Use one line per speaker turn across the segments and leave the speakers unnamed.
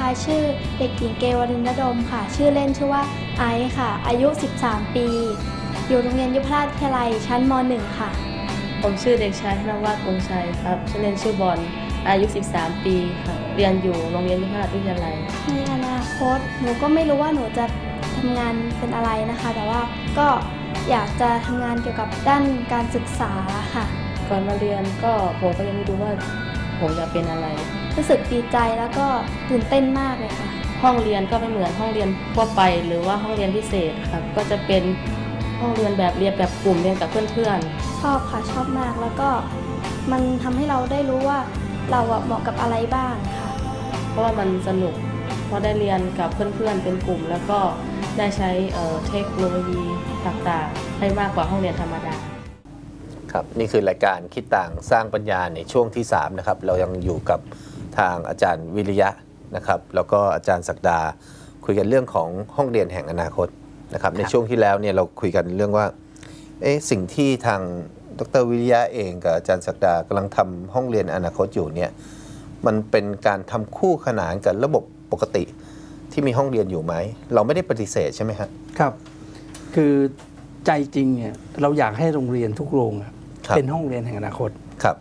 ชื่อเด็กหญิงเกวรินทร์ดมค่ะชื่อเล่นชื่อว่าไอซ์ค่ะอายุ13ปีอยู่โรงเรียนยุพราชวิทยาลัยชั้นม.1 ค่ะ
ผมชื่อเด็กชายธนวัฒน์วงศ์ชัยครับชื่อเล่นชื่อบอลอายุ13ปีค่ะเรียนอยู่โรงเรียนยุพราชวิทยาลัย
ในอนาคตหนูก็ไม่รู้ว่าหนูจะทำงานเป็นอะไรนะคะแต่ว่าก็อยากจะทำงานเกี่ยวกับด้านการศึกษาค่ะ
ก่อนมาเรียนก็ผมก็ยังไม่รู้ว่าผมจะเป็นอะไร
รู้สึกดีใจแล้วก็ตื่นเต้นมากเลยค่ะ
ห้องเรียนก็ไม่เหมือนห้องเรียนทั่วไปหรือว่าห้องเรียนพิเศษครับก็จะเป็นห้องเรียนแบบเรียนแบบกลุ่มเรียนกับเพื่อน
ๆชอบค่ะชอบมากแล้วก็มันทำให้เราได้รู้ว่าเราเหมาะกับอะไรบ้างค่ะ
เพราะว่ามันสนุกเพราะได้เรียนกับเพื่อนๆเป็นกลุ่มแล้วก็ได้ใช้เทคโนโลยีต่างๆให้มากกว่าห้องเรียนธรรมดา
ครับนี่คือรายการคิดต่างสร้างปัญญาในช่วงที่3นะครับเรายังอยู่กับทางอาจารย์วิริยะนะครับแล้วก็อาจารย์ศักดาคุยกันเรื่องของห้องเรียนแห่งอนาคตนะครับในช่วงที่แล้วเนี่ยเราคุยกันเรื่องว่าสิ่งที่ทางดร.วิริยะเองกับอาจารย์ศักดากำลังทำห้องเรียนอนาคตอยู่เนี่ยมันเป็นการทำคู่ขนานกับระบบปกติที่มีห้องเรียนอยู่ไหมเราไม่ได้ปฏิเสธใช่ไหมครับ
ครับคือใจจริงเนี่ยเราอยากให้โรงเรียนทุกโรงเป็นห้องเรียนแห่งอนาคต
ครับ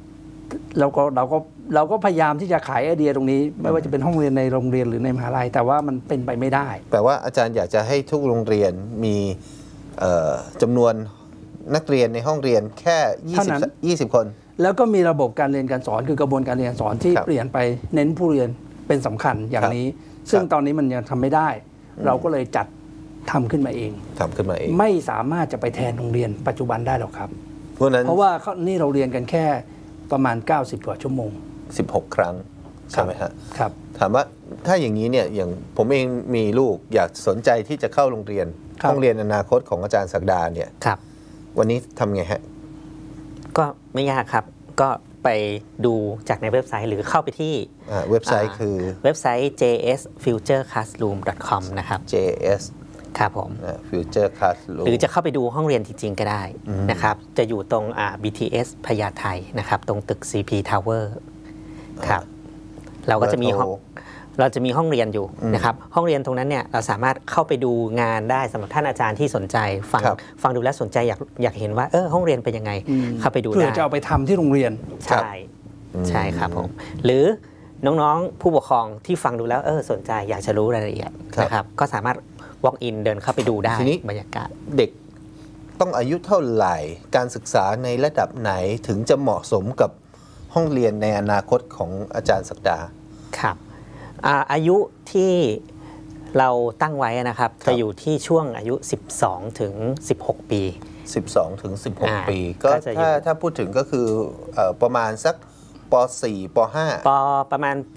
เราก็พยายามที่จะขายไอเดียตรงนี้ไม่ว่าจะเป็นห้องเรียนในโรงเรียนหรือในมหาลัยแต่ว่ามันเป็นไปไม่ได้
แปลว่าอาจารย์อยากจะให้ทุกโรงเรียนมีจำนวนนักเรียนในห้องเรียนแค่20 คน
แล้วก็มีระบบการเรียนการสอนคือกระบวนการเรียนการสอนที่เปลี่ยนไปเน้นผู้เรียนเป็นสำคัญอย่างนี้ซึ่งตอนนี้มันยังทำไม่ได้เราก็เลยจัดทำขึ้นมาเองไม่สามารถจะไปแทนโรงเรียนปัจจุบันได้หรอกครับเพราะว่านี่เราเรียนกันแค่ประมาณ90 กว่าชั่วโมง
16 ครั้งใช่ไหมฮะ
ครับ
ถามว่าถ้าอย่างนี้เนี่ยอย่างผมเองมีลูกอยากสนใจที่จะเข้าโรงเรียนห้องเรียนอนาคตของอาจารย์ศักดาเนี่ยวันนี้ทำไงฮะ
ก็ไม่ยากครับก็ไปดูจากในเว็บไซต์หรือเข้าไปที่
เว็บไซต์คือ
เว็บไซต์ jsfutureclassroom.com นะครับ
js
ครับผม
future classroom
หรือจะเข้าไปดูห้องเรียนจริงๆก็ได้นะครับจะอยู่ตรงBTS พญาไทนะครับตรงตึก CP Tower ครับเราก็จะมีห้องเรียนอยู่นะครับห้องเรียนตรงนั้นเนี่ยเราสามารถเข้าไปดูงานได้สำหรับท่านอาจารย์ที่สนใจฟังดูแลสนใจอยากเห็นว่าห้องเรียนเป็นยังไงเข้าไปดูได้
เพื่อจะเอาไปทำที่โรงเรียน
ใช่ครับผมหรือน้องๆผู้ปกครองที่ฟังดูแล้วสนใจอยากจะรู้รายละเอียดนะครับก็สามารถ walk in เดินเข้าไปดูได้บรรยากาศ
เด็กต้องอายุเท่าไหร่การศึกษาในระดับไหนถึงจะเหมาะสมกับห้องเรียนในอนาคตของอาจารย์ศักดา
ครับอายุที่เราตั้งไว้นะครับจะอยู่ที่ช่วงอายุ12 ถึง 16 ปี
12 ถึง 16 ปีก็ถ้าพูดถึงก็คือประมาณสักป.4 ป.5
ประมาณป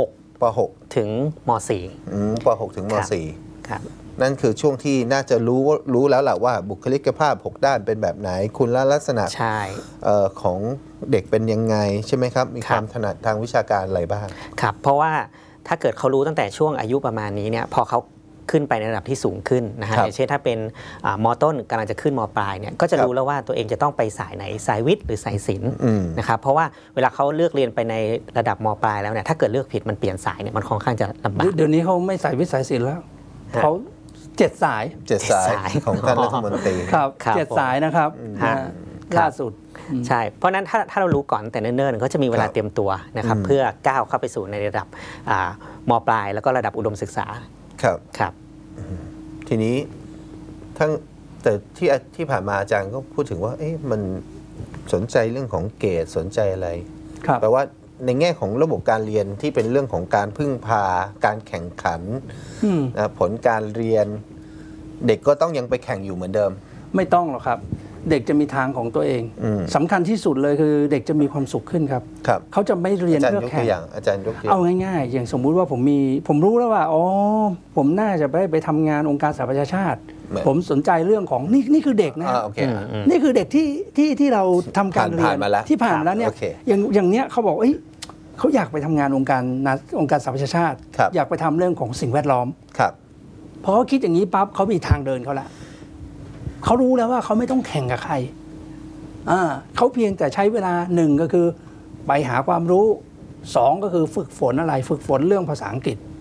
.6 ถึงม
.4 ป.6 ถึงม
.4 ครับ
นั่นคือช่วงที่น่าจะรู้แล้วแหละว่าบุคลิกภาพ6ด้านเป็นแบบไหนคุณลักษณะของเด็กเป็นยังไงใช่ไหมครับมีความถนัดทางวิชาการอะไรบ้าง
ครับเพราะว่าถ้าเกิดเขารู้ตั้งแต่ช่วงอายุประมาณนี้เนี่ยพอเขาขึ้นไปในระดับที่สูงขึ้นนะฮะอย่างเช่นถ้าเป็นม.ต้นกำลังจะขึ้นม.ปลายเนี่ยก็จะรู้แล้วว่าตัวเองจะต้องไปสายไหนสายวิทย์หรือสายศิลป์นะครับเพราะว่าเวลาเขาเลือกเรียนไปในระดับม.ปลายแล้วเนี่ยถ้าเกิดเลือกผิดมันเปลี่ยนสายเนี่ยมันค่อนข้างจะลำบาก
เดี๋ยวนี้เขาไม่สายวิทย์สายศิลป์แล้วเขา7 สาย
ของท่านรัฐมนตรี
ครับ7 สายนะครับล่าสุด
ใช่เพราะนั้นถ้าเรารู้ก่อนแต่เนิ่นๆก็จะมีเวลาเตรียมตัวนะครับเพื่อก้าวเข้าไปสู่ในระดับม.ปลายแล้วก็ระดับอุดมศึกษา
ครับทีนี้แต่ที่ผ่านมาอาจารย์ก็พูดถึงว่ามันสนใจเรื่องของเกรดสนใจอะไรแปลว่าในแง่ของระบบการเรียนที่เป็นเรื่องของการพึ่งพาการแข่งขันผลการเรียนเด็กก็ต้องยังไปแข่งอยู่เหมือนเดิม
ไม่ต้องหรอกครับเด็กจะมีทางของตัวเองสำคัญที่สุดเลยคือเด็กจะมีความสุขขึ้นครับเขาจะไม่เรียนเพื่อแข่ง
อาจารย์ยกตัวอย่าง
เอาง่ายๆอย่างสมมุติว่าผมรู้แล้วว่าผมน่าจะไปทำงานองค์การสหประชาชาติผมสนใจเรื่องของนี่คือเด็กนะนี่คือเด็กที่เราทำการเรียนที่ผ่านมาแล้วเนี่ยอย่างเนี้ยเขาบอกเขาอยากไปทำงานองค์การสหประชาชาติอยากไปทำเรื่องของสิ่งแวดล้อมพอเขาคิดอย่างนี้ปั๊บเขามีทางเดินเขาละเขารู้แล้วว่าเขาไม่ต้องแข่งกับใครเขาเพียงแต่ใช้เวลา1ก็คือไปหาความรู้2ก็คือฝึกฝนเรื่องภาษาอังกฤษ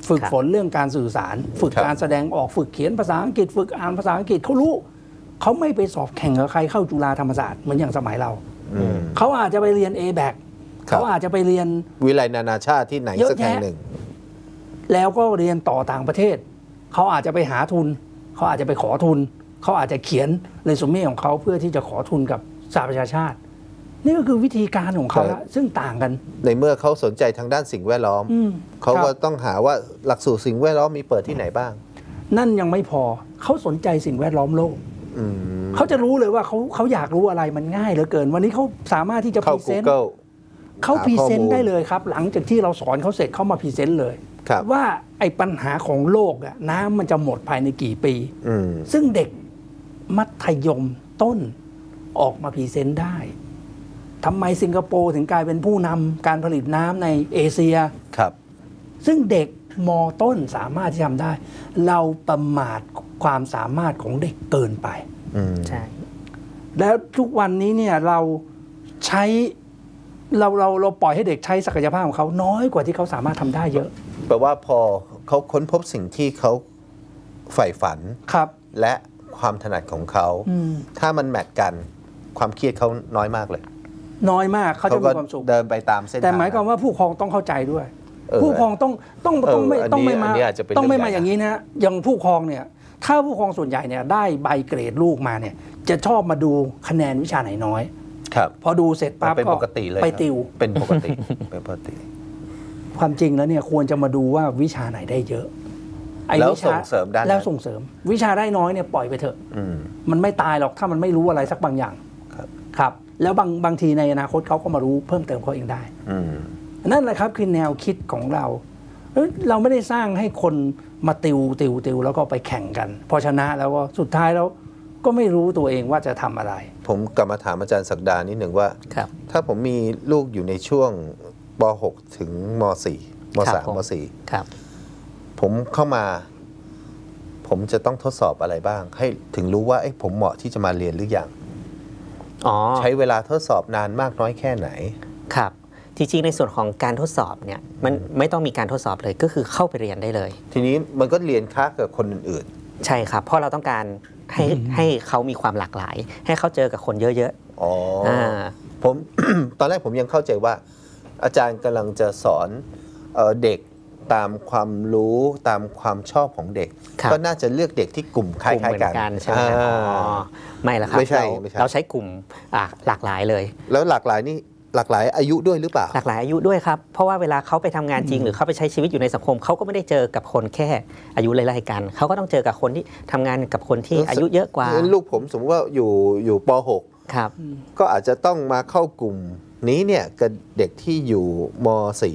ฝึกฝนเรื่องการสื่อสาร ฝึกการแสดงออกฝึกเขียนภาษาอังกฤษฝึกอ่านภาษาอังกฤษเขารู้เขาไม่ไปสอบแข่งกับใครเข้าจุฬาธรรมศาสตร์เหมือนอย่างสมัยเราเขาอาจจะไปเรียน A-BAC เขาอาจจะไปเรียน
วิทยาลัยนานาชาติที่ไหนสักแห่งหนึ่ง
แล้วก็เรียนต่อต่างประเทศเขาอาจจะไปหาทุนเขาอาจจะไปขอทุนเขาอาจจะเขียนเรซูเม่ของเขาเพื่อที่จะขอทุนกับสหประชาชาตินี่ก็คือวิธีการของเขาซึ่งต่างกัน
ในเมื่อเขาสนใจทางด้านสิ่งแวดล้อมเขาก็ต้องหาว่าหลักสูตรสิ่งแวดล้อมมีเปิดที่ไหนบ้าง
นั่นยังไม่พอเขาสนใจสิ่งแวดล้อมโลกเขาจะรู้เลยว่าเขาอยากรู้อะไรมันง่ายเหลือเกินวันนี้เขาสามารถที่จะพรีเซนต์เขาพรีเซนต์ได้เลยครับหลังจากที่เราสอนเขาเสร็จเขามาพรีเซนต์เลยว่าไอ้ปัญหาของโลกอะน้ำมันจะหมดภายในกี่ปีซึ่งเด็กมัธยมต้นออกมาพรีเซนต์ได้ทำไมสิงคโปร์ถึงกลายเป็นผู้นำการผลิตน้ำในเอเชีย
ครับ
ซึ่งเด็กม.ต้นสามารถที่ทำได้เราประมาทความสามารถของเด็กเกินไป
ใช่
แล้วทุกวันนี้เนี่ยเราใช้เราปล่อยให้เด็กใช้ศักยภาพของเขาน้อยกว่าที่เขาสามารถทำได้เยอะ
แปลว่าพอเขาค้นพบสิ่งที่เขาใฝ่ฝัน
ครับ
และความถนัดของเขาถ้ามันแมทกันความเครียดเขาน้อยมากเลย
น้อยมากเขาจะมีความสุข
เดินไปตามเส้นทาง
แต่หมายความว่าผู้ปกครองต้องเข้าใจด้วยผู้ปกครองต้องไม่มาอย่างนี้นะอย่างผู้ปกครองเนี่ยถ้าผู้ปกครองส่วนใหญ่เนี่ยได้ใบเกรดลูกมาเนี่ยจะชอบมาดูคะแนนวิชาไหนน้อย
ครับ
พอดูเสร็จปั๊บก็ไปติว
เป็นปกติ
ความจริงแล้วเนี่ยควรจะมาดูว่าวิชาไหนได้เยอะ
แล้วส่งเสริมได้
แล้วส่งเสริมวิชาได้น้อยเนี่ยปล่อยไปเถอะมันไม่ตายหรอกถ้ามันไม่รู้อะไรสักบางอย่างครับแล้วบางทีในอนาคตเขาก็มารู้เพิ่มเติมเขาเองได้นั่นแหละครับคือแนวคิดของเราเราไม่ได้สร้างให้คนมาติวแล้วก็ไปแข่งกันพอชนะแล้วก็สุดท้ายแล้วก็ไม่รู้ตัวเองว่าจะทำอะไร
ผมกลับมาถามอาจารย์ศักดานิดหนึ่งว่าถ้าผมมีลูกอยู่ในช่วงป.6 ถึงม.4 ม.3 ม.4
ครับ
ผมเข้ามาผมจะต้องทดสอบอะไรบ้างให้ถึงรู้ว่าผมเหมาะที่จะมาเรียนหรือยังใช้เวลาทดสอบนานมากน้อยแค่ไหน
ครับจริงๆในส่วนของการทดสอบเนี่ยมันไม่ต้องมีการทดสอบเลยก็คือเข้าไปเรียนได้เลย
ทีนี้มันก็เรียนค้ากับคนอื่น
ๆใช่ครับเพราะเราต้องการให้เขามีความหลากหลายให้เขาเจอกับคนเยอะ
ๆผม ตอนแรกผมยังเข้าใจว่าอาจารย์กำลังจะสอนเด็กตามความรู้ตามความชอบของเด็กก็น่าจะเลือกเด็กที่กลุ่มคล้ายๆกัน
ใช่ไหมไม่ละครับเราใช้กลุ่มหลากหลายเลย
แล้วหลากหลายนี่หลากหลายอายุด้วยหรือเปล่า
หลากหลายอายุด้วยครับเพราะว่าเวลาเขาไปทำงานจริงหรือเขาไปใช้ชีวิตอยู่ในสังคมเขาก็ไม่ได้เจอกับคนแค่อายุไล่ๆกันเขาก็ต้องเจอกับคนที่ทำงานกับคนที่อายุเยอะกว่า
ลูกผมสมมติว่าอยู่ป
.6 ครับ
ก็อาจจะต้องมาเข้ากลุ่มนี้เนี่ยกับเด็กที่อยู่ม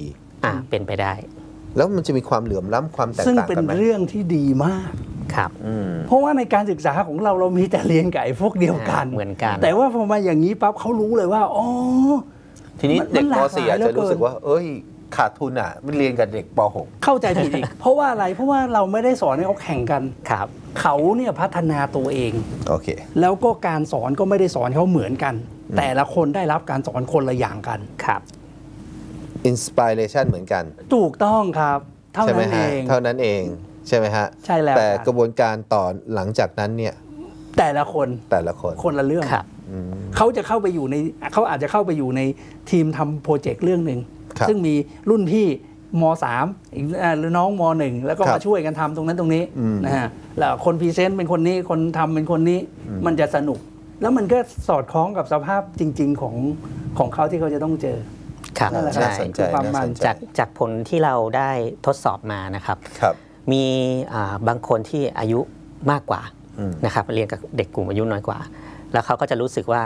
.4 เป็นไปได้
แล้วมันจะมีความเหลื่อมล้ำความแตกต่างกันไหมซึ่ง
เป็นเรื่องที่ดีมาก
ครับ
เพราะว่าในการศึกษาของเรามีแต่เรียนกับไอ้พวกเดียวกัน
เหมือนกัน
แต่ว่าพอมาอย่างนี้ปั๊บเขารู้เลยว่าอ๋อ
ทีนี้เด็กป.4 อาจจะรู้สึกว่าขาดทุนมันเรียนกับเด็กป
.6 เข้าใจผิดอีกเพราะว่าอะไรเพราะว่าเราไม่ได้สอนให้เขาแข่งกัน
ครับ
เขาเนี่ยพัฒนาตัวเอง
โอเค
แล้วก็การสอนก็ไม่ได้สอนเขาเหมือนกันแต่ละคนได้รับการสอนคนละอย่างกัน
ครับ
อินสปิเรชันเหมือนกัน
ถูกต้องครับเท่านั้นเอง
เท่านั้นเองใช่ไหมฮะ
ใช่แล้ว
แต่กระบวนการต่อหลังจากนั้นเนี่ย
แต่ละคนคนละเรื่องเขาจะเข้าไปอยู่ในเขาอาจจะเข้าไปอยู่ในทีมทำโปรเจกต์เรื่องหนึ่งซึ่งมีรุ่นพี่ม.3 หรือน้องม.1 แล้วก็มาช่วยกันทำตรงนั้นตรงนี้นะฮะแล้วคนพรีเซนต์เป็นคนนี้คนทำเป็นคนนี้มันจะสนุกแล้วมันก็สอดคล้องกับสภาพจริงๆของเขาที่เขาจะต้องเจอ
ครับใช่จากผลที่เราได้ทดสอบมานะครับมีบางคนที่อายุมากกว่านะครับเรียนกับเด็กกลุ่มอายุน้อยกว่าแล้วเขาก็จะรู้สึกว่า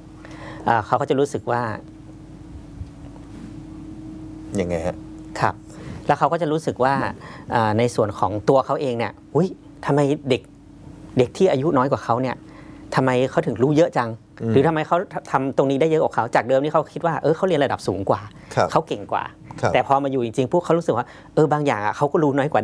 ยังไงฮะ
ครับแล้วเขาก็จะรู้สึกว่าในส่วนของตัวเขาเองเนี่ยอุ้ยทำไมเด็กที่อายุน้อยกว่าเขาเนี่ยทำไมเขาถึงรู้เยอะจังหรือทำไมเขาทำตรงนี้ได้เยอะกว่าเขาจากเดิมที่เขาคิดว่าเขาเรียนระดับสูงกว่าเขาเก่งกว่าแต่พอมาอยู่จริงๆพวกเขารู้สึกว่าบางอย่างเขาก็รู้น้อยกว่าเด็ก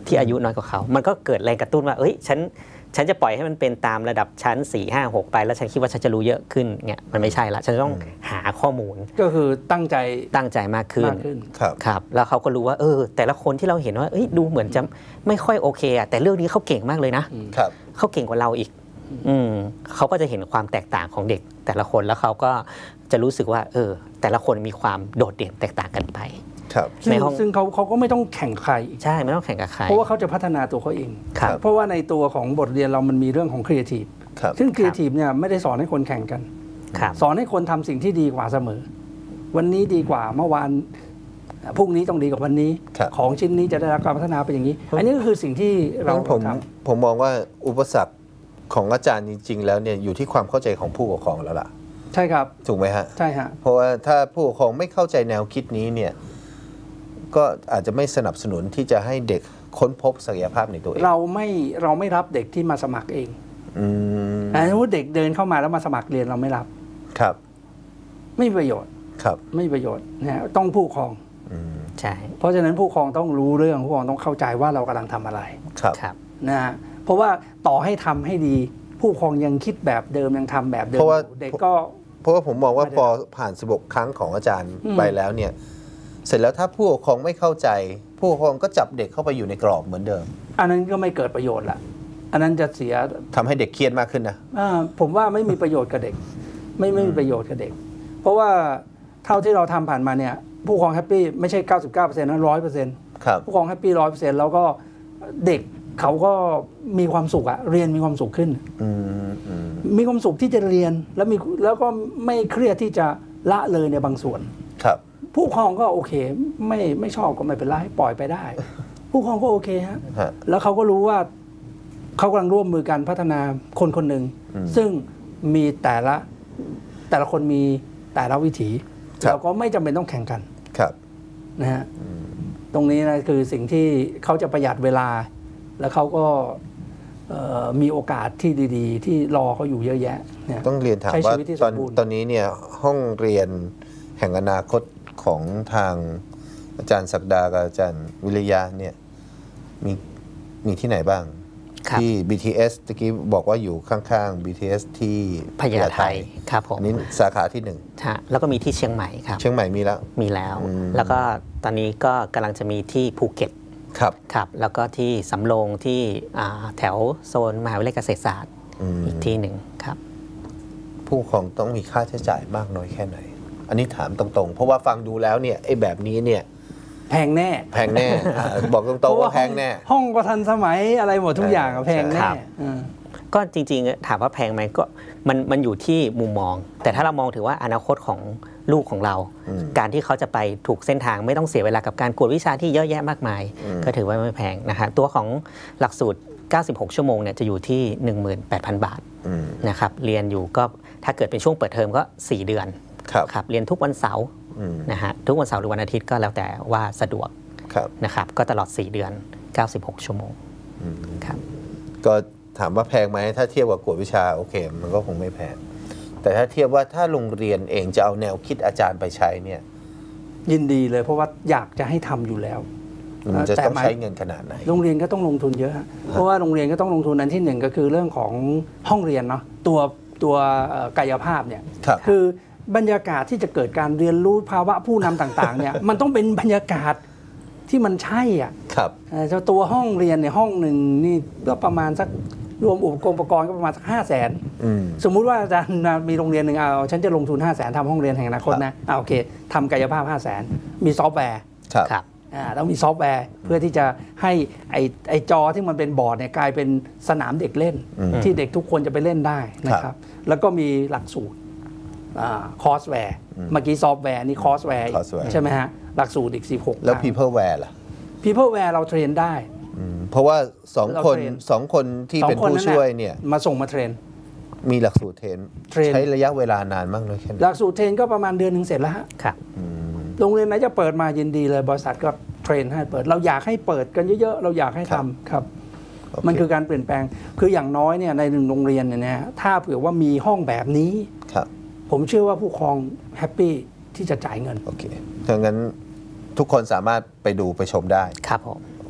ที่อายุน้อยกว่าเขามันก็เกิดแรงกระตุ้นว่าเอ้ยฉันจะปล่อยให้มันเป็นตามระดับชั้น4 5 6ไปแล้วฉันคิดว่าฉันจะรู้เยอะขึ้นเนี่ยมันไม่ใช่ละฉันต้องหาข้อมูล
ก็คือตั้งใจ
มากขึ้นครับแล้วเขาก็รู้ว่าแต่ละคนที่เราเห็นว่าดูเหมือนจะไม่ค่อยโอเคอะแต่เรื่องนี้เขาเก่งมากเลยนะเขาเก่งกว่าเราอีกเขาก็จะเห็นความแตกต่างของเด็กแต่ละคนแล้วเขาก็จะรู้สึกว่าแต่ละคนมีความโดดเด่นแตกต่างกันไป
ในห้องซึ่งเขาก็ไม่ต้องแข่งใคร
ใช่ไม่ต้องแข่งกับใคร
เพราะว่าเขาจะพัฒนาตัวเขาเองเพราะว่าในตัวของบทเรียนเรามันมีเรื่องของครีเอทีฟซึ่งครีเอทีฟเนี่ยไม่ได้สอนให้คนแข่งกันสอนให้คนทำสิ่งที่ดีกว่าเสมอวันนี้ดีกว่าเมื่อวานพรุ่งนี้ต้องดีกว่าวันนี้ของชิ้นนี้จะได้รับการพัฒนาไปอย่างนี้อันนี้ก็คือสิ่งที่เรา
ผมมองว่าอุปสรรคของอาจารย์จริงๆแล้วเนี่ยอยู่ที่ความเข้าใจของผู้ปกครองแล้วล่ะ
ใช่ครับ
ถูกไหมฮะ
ใช่ฮะ
เพราะว่าถ้าผู้ปกครองไม่เข้าใจแนวคิดนี้เนี่ยก็อาจจะไม่สนับสนุนที่จะให้เด็กค้นพบศักยภาพในตัวเอง
เราไม่รับเด็กที่มาสมัครเองสมมติเด็กเดินเข้ามาแล้วมาสมัครเรียนเราไม่รับ
ครับ
ไม่มีประโยชน์
ครับ
ไม่มีประโยชน์นะต้องผู้ปกครอง
ใช่
เพราะฉะนั้นผู้ปกครองต้องรู้เรื่องผู้ปกครองต้องเข้าใจว่าเรากำลังทำอะไร
ครับ
นะเพราะว่าต่อให้ทำให้ดีผู้ปกครองยังคิดแบบเดิมยังทำแบบเดิมเด็กก็
เพราะว่าผมมองว่าพอผ่าน16 ครั้งของอาจารย์ไปแล้วเนี่ยเสร็จแล้วถ้าผู้ปกครองไม่เข้าใจผู้ปกครองก็จับเด็กเข้าไปอยู่ในกรอบเหมือนเดิม
อันนั้นก็ไม่เกิดประโยชน์ละอันนั้นจะเสีย
ทำให้เด็กเครียดมากขึ้นนะ
ผมว่าไม่มีประโยชน์กับเด็กไม่มีประโยชน์กับเด็กเพราะว่าเท่าที่เราทำผ่านมาเนี่ยผู้ปกครองแฮปปี้ไม่ใช่ 99% นะ 100%
ครับ
ผู้ปกครองแฮปปี้ 100% แล้วก็เด็กเขาก็มีความสุขอะเรียนมีความสุขขึ้นมีความสุขที่จะเรียนแล้วก็ไม่เครียดที่จะละเลยในบางส่วน
ครับ
ผู้ปกครองก็โอเคไม่ชอบก็ไม่เป็นไรปล่อยไปได้ผู้ปกครองก็โอเคฮะแล้วเขาก็รู้ว่าเขากำลังร่วมมือกันพัฒนาคนคนหนึ่งซึ่งมีแต่ละคนมีแต่ละวิถีเราก็ไม่จำเป็นต้องแข่งกันนะฮะตรงนี้นะคือสิ่งที่เขาจะประหยัดเวลาแล้วเขาก็มีโอกาสที่ดีๆที่รอเขาอยู่เยอะแยะ
ต้องเรียนถามว่าตอนนี้เนี่ยห้องเรียนแห่งอนาคตของทางอาจารย์ศักดากับอาจารย์วิริยะเนี่ยมีที่ไหนบ้างที่ BTS ตะกี้บอกว่าอยู่ข้างๆ BTS ที่
พญาไทครับผม
นี่สาขาที่
1แล้วก็มีที่เชียงใหม่ครับ
เชียงใหม่มีแล้ว
แล้วก็ตอนนี้ก็กำลังจะมีที่ภูเก็ตครับแล้วก็ที่สำโรงที่แถวโซนมหาวิทยาลัยเกษตรศาสตร์อีกที่หนึ่งครับ
ผู้ปกครองต้องมีค่าใช้จ่ายมากน้อยแค่ไหนอันนี้ถามตรงๆเพราะว่าฟังดูแล้วเนี่ยไอ้แบบนี้เนี่ย
แพงแน่
บอกตรงๆว่าแพงแน่
ห้องก็ทันสมัยอะไรหมดทุกอย่างแพงแน่
ก็จริงๆถามว่าแพงไหมก็มันอยู่ที่มุมมองแต่ถ้าเรามองถือว่าอนาคตของลูกของเราการที่เขาจะไปถูกเส้นทางไม่ต้องเสียเวลากับการกวดวิชาที่เยอะแยะมากมายก็ถือว่าไม่แพงนะคะตัวของหลักสูตร96 ชั่วโมงเนี่ยจะอยู่ที่ 18,000 บาทนะครับเรียนอยู่ก็ถ้าเกิดเป็นช่วงเปิดเทอมก็4 เดือนครับเรียนทุกวันเสาร์นะฮะทุกวันเสาร์หรือวันอาทิตย์ก็แล้วแต่ว่าสะดวกนะครับก็ตลอด4 เดือน96 ชั่วโมงครับ
ก็ถามว่าแพงไหมถ้าเทียบกับกวดวิชาโอเคมันก็คงไม่แพงแต่ถ้าเทียบว่าถ้าโรงเรียนเองจะเอาแนวคิดอาจารย์ไปใช้เนี่ย
ยินดีเลยเพราะว่าอยากจะให้ทำอยู่แล้ว
จะต้องใช้เงินขนาดไหน
โรงเรียนก็ต้องลงทุนเยอะเพราะว่าโรงเรียนก็ต้องลงทุนอันที่1ก็คือเรื่องของห้องเรียนเนาะตัวกายภาพเนี่ยคือบรรยากาศที่จะเกิดการเรียนรู้ภาวะผู้นำต่างๆเนี่ยมันต้องเป็นบรรยากาศที่มันใช่อ่ะตัวห้องเรียนในห้องหนึ่งนี่ก็ประมาณสักรวมอุปกรณ์ก็ประมาณสัก500,000สมมุติว่าอาจารย์มีโรงเรียนหนึ่งฉันจะลงทุน500,000ทำห้องเรียนแห่งอนาคตนะโอเคทำกายภาพ500,000มีซอฟต์แวร์ต้องมีซอฟต์แวร์เพื่อที่จะให้ไอจอที่มันเป็นบอร์ดเนี่ยกลายเป็นสนามเด็กเล่นที่เด็กทุกคนจะไปเล่นได้นะครับแล้วก็มีหลักสูตรคอร์สแวร์เมื่อกี้ซอฟต์แวร์นี่คอร์สแวร์ใช่ไหมฮะหลักสูตรอีก16
แล้ว Peopleware ล่ะ
Peopleware เราเทรนได้
เพราะว่า2 คนที่เป็นผู้ช่วยเนี่ย
มาส่งมาเทรน
มีหลักสูตรเทรนใช้ระยะเวลานานมากเลยแค่ไหน
หลักสูตรเทรนก็ประมาณเดือนนึงเสร็จแล้วฮะ
ครับ
โรงเรียนไหนจะเปิดมายินดีเลยบริษัทก็เทรนให้เปิดเราอยากให้เปิดกันเยอะๆเราอยากให้ทำครับมันคือการเปลี่ยนแปลงคืออย่างน้อยเนี่ยใน1 โรงเรียนเนี่ยถ้าเผื่อว่ามีห้องแบบนี้ผมเชื่อว่าผู้ปกครองแฮปปี้ที่จะจ่ายเงิน
โอเคถ้างั้นทุกคนสามารถไปดูไปชมได้
ครับผม
โอเค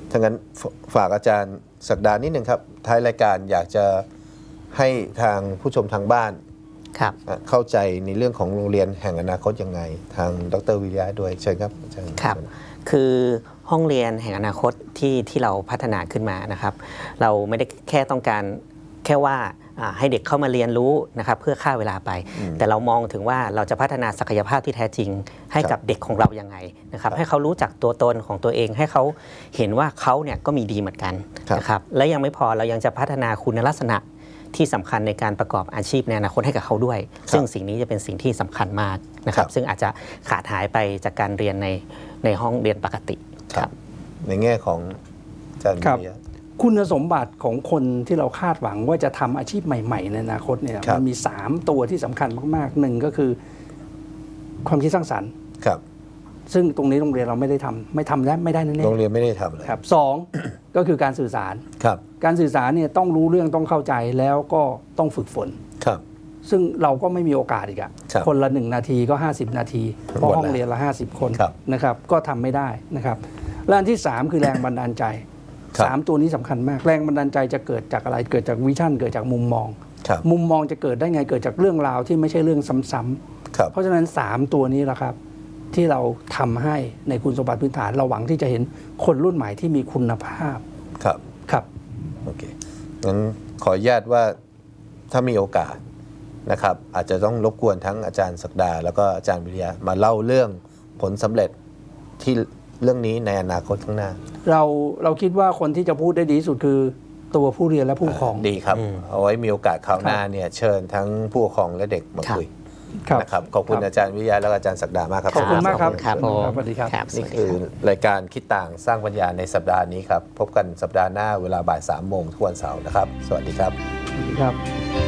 ถ้างั้นฝากอาจารย์ศักดานิดนึงครับท้ายรายการอยากจะให้ทางผู้ชมทางบ้านเข้าใจในเรื่องของโรงเรียนแห่งอนาคตยังไงทางดร.วิริยะด้วยเชิญครับอาจารย์
ครับคือห้องเรียนแห่งอนาคตที่เราพัฒนาขึ้นมานะครับเราไม่ได้แค่ต้องการแค่ว่าให้เด็กเข้ามาเรียนรู้นะครับเพื่อฆ่าเวลาไปแต่เรามองถึงว่าเราจะพัฒนาศักยภาพที่แท้จริงให้กับเด็กของเรายังไงนะครับให้เขารู้จักตัวตนของตัวเองให้เขาเห็นว่าเขาเนี่ยก็มีดีเหมือนกันนะครับและยังไม่พอเรายังจะพัฒนาคุณลักษณะที่สำคัญในการประกอบอาชีพในอนาคตให้กับเขาด้วยซึ่งสิ่งนี้จะเป็นสิ่งที่สำคัญมากนะครับซึ่งอาจจะขาดหายไปจากการเรียนในห้องเรียนปกติครับ
ในแง่ของอาจารย์วิริยะ
คุณสมบัติของคนที่เราคาดหวังว่าจะทำอาชีพใหม่ๆในอนาคตเนี่ยมันมี3ตัวที่สำคัญมากๆหนึ่งก็คือความคิดสร้างสรรค์
ครับ
ซึ่งตรงนี้โรงเรียนเราไม่ได้ทำและไม่ได้แน่ๆ
โรงเรียนไม่ได้ทำเลย
ครับ2ก็คือการสื่อสาร
ครับ
การสื่อสารเนี่ยต้องรู้เรื่องต้องเข้าใจแล้วก็ต้องฝึกฝน
ครับ
ซึ่งเราก็ไม่มีโอกาสอีกคนละ1นาทีก็50นาทีเพราะห้องเรียนละ50คนนะครับก็ทำไม่ได้นะครับและอันที่3คือแรงบันดาลใจ3ตัวนี้สำคัญมากแรงบันดาลใจจะเกิดจากอะไรเกิดจากวิชั่นเกิดจากมุมมองจะเกิดได้ไงเกิดจากเรื่องราวที่ไม่ใช่เรื่องซ้ำๆเพราะฉะนั้น3ตัวนี้แหละครับที่เราทำให้ในคุณสมบัติพื้นฐานเราหวังที่จะเห็นคนรุ่นใหม่ที่มีคุณภาพครับ
โอเคงั้นขออนุญาตว่าถ้ามีโอกาสนะครับอาจจะต้องรบกวนทั้งอาจารย์ศักดาแล้วก็อาจารย์วิริยะมาเล่าเรื่องผลสำเร็จที่เรื่องนี้ในอนาคตข้างหน้า
เราคิดว่าคนที่จะพูดได้ดีที่สุดคือตัวผู้เรียนและผู้ปกครอง
ดีครับเอาไว้มีโอกาสคราวหน้าเนี่ยเชิญทั้งผู้ปกครองและเด็กมาคุยนะครับขอบคุณอาจารย์วิริยะและอาจารย์ศักดามากครับ
ขอบคุณมากครับ
ครับ
สวัสดีครับ
นี่คือรายการคิดต่างสร้างปัญญาในสัปดาห์นี้ครับพบกันสัปดาห์หน้าเวลาบ่าย 3 โมงทุกวันเสาร์นะครับสวัสดีครับ
สวัสดีครับ